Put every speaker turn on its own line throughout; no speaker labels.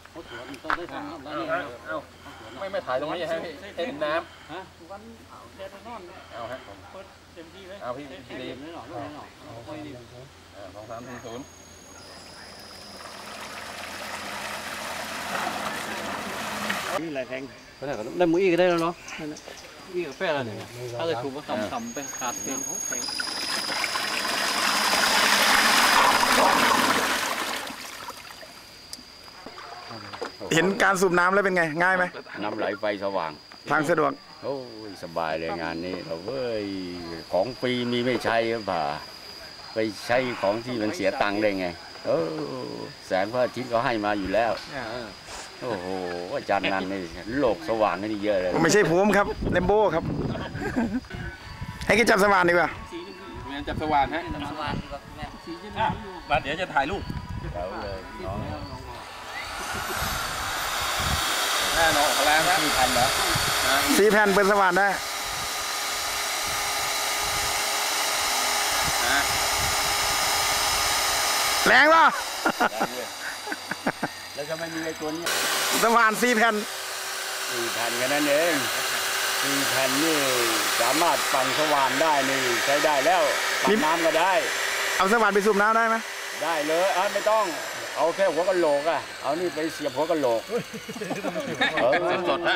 ไม่ถ่ายตรงนี้ฮะเห็นน้ำ
ฮะวันแดดนอน
เอาฮะ
เปิดเต็มที่เลย
เอาพี่ดี
ไม่หน่อย
2300
นี่อะไรแพงได้มืออีกได้แล้วเนาะอีกกาแฟอะไรเนี่ยถ้าจะถูกก็ต่ำๆไปขาดเพียง
เห็นการสูบน้ำแล้วเป็นไงง่ายไหม
น้ำไหลไฟสว่าง
ทางสะดวก
โอ้ยสบายเลยงานนี้เราเว้ยของฟรีมีไม่ใช่หรือเปล่าไปใช้ของที่มันเสียตังค์ได้ไงแสงพระอาทิตย์ก็ให้มาอยู่แล้วโอ้โหอาจารย์นันนี่โลกสว่างนี่เยอะเลย
ไม่ใช่ผมครับเลมโบ้ครับให้กินจับสว่านดีกว่า
แม่จับสว่านฮะ
มาเดี๋ยวจะถ่ายรูป
เอาเลยน้อง
น้องออกแล้วนะ4,000แล้ว
4 แผ่นเป็นสว่านได้แรงป่ะ
แล้วก็ไม่มีไอ้ตัวนี้
สว่าน4 แผ่น
4 แผ่นกันนั่นเอง4 แผ่นนี่สามารถปั่นสว่านได้นี่ใช้ได้แล้วปั่นน้ำก็ได้
เอาสว่านไปสูบน้ำได้ไหม
ได้เลยไม่ต้องเอาแค่หัวกะโหลกเอานี่ไปเสียบหัวกะโหลกสดๆนะ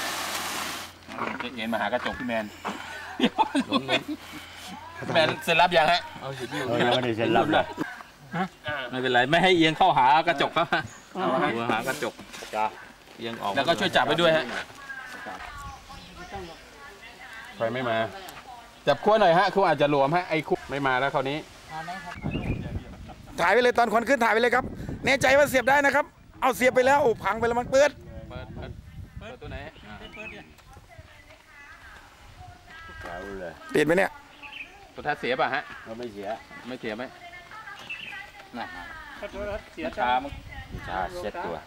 เอ็นมาหากระจกพี่แมนแมนเซ็นรับยังฮะเอาสิพี่ไม่ได้เซ็นรับเลย
ไม่เป็นไรไม่ให้เอียงเข้าหากระจกครับหัวหากระจกเอียงออกแล้วก็ช่วยจับไปด้วยฮะ
ใครไม่มา
จับขั้วหน่อยฮะคู่อาจจะหลวมฮะไอ้คู่ไม่มาแล้วคราวนี้
ถ่ายไปเลยตอนควันขึ้นถ่ายไปเลยครับแน่ใจว่าเสียบได้นะครับเอาเสียบไปแล้วพังไปแล้วมันเปิด
ตัวไหน
ติดไหมเนี่ย
ตัวท้าเสียป่ะฮะ
ไม่เสีย
ไหมน่ะ
เสียชาเซ็ตตัว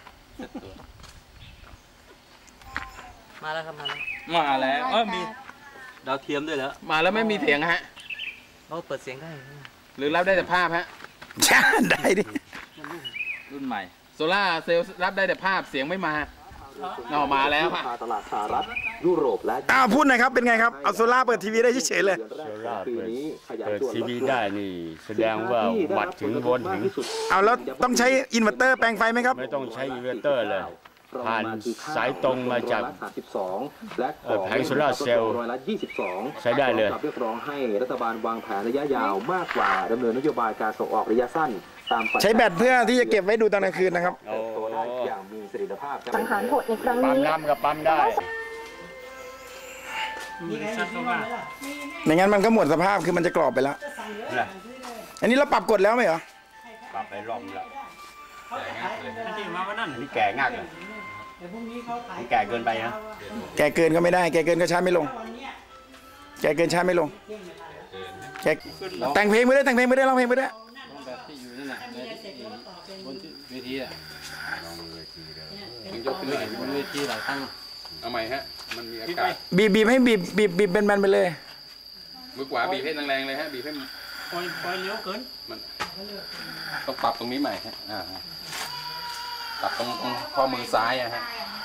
มาแล้วครับมาแล้วมีดาวเทียมด้วยแล้วมาแล้วไม่มีเสียงฮะเราเปิดเสียงได้หรือรับได้แต่ภาพฮะ
ได้ดิ
รุ่นใหม่โซล่าเซลล์รับได้แต่ภาพเสียงไม่มามาแล้วค่ะ
ตลาดสหรัฐยุโรปและ
พูดหน่อยครับเป็นไงครับเอาโซล่าเปิดทีวีได้เฉยๆเลย
โซล่าเปิดทีวีได้นี่แสดงว่าวัดถึงวนถึง
เอาแล้วต้องใช้อินเวอร์เตอร์แปลงไฟไหมครับ
ไม่ต้องใช้อินเวอร์เตอร์เลยผ่านสายตรงมาจากแผงโซล่าเซลล์ใช้ได้เลย
เรียกร้องให้รัฐบาลวางแผนระยะยาวมากกว่าดำเนินนโยบายการส่งออกระยะสั้นตาม
ใช้แบตเพื่อที่จะเก็บไว้ดูตอนกลางคืนนะครับ
ตัวได้อย่างมีประสิทธิภาพ
สังหารโหดในครั้งนี้
ปั๊มน้ำกับปั๊มได้
ไม่งั้นมันก็หมดสภาพคือมันจะกรอบไปแล้วอันนี้เราปรับกดแล้วไหมเหรอ
ปรับไปรอบแล้วนี่แก่ง่ายเลยนี่แก่เกินไปนะ
แก่เกินก็ไม่ได้แก่เกินก็ชาร์จไม่ลงแก่เกินชาร์จไม่ลงแก่แต่งเพลงไม่ได้ร้องเพลงไม่ได้
บนเวทียกขึ้นไปบนเวทีหลายตั้งเอาใหม่ฮะมันมีอากาศ
บีบให้บีบเป็นมันไปเลย
มือขวาบีบให้แรงๆเลยฮะบีบให้ปล่อยเลี้ยวเกินมันต้องปรับตรงนี้ใหม่ฮะปรับตรงข้อมือซ้ายฮะ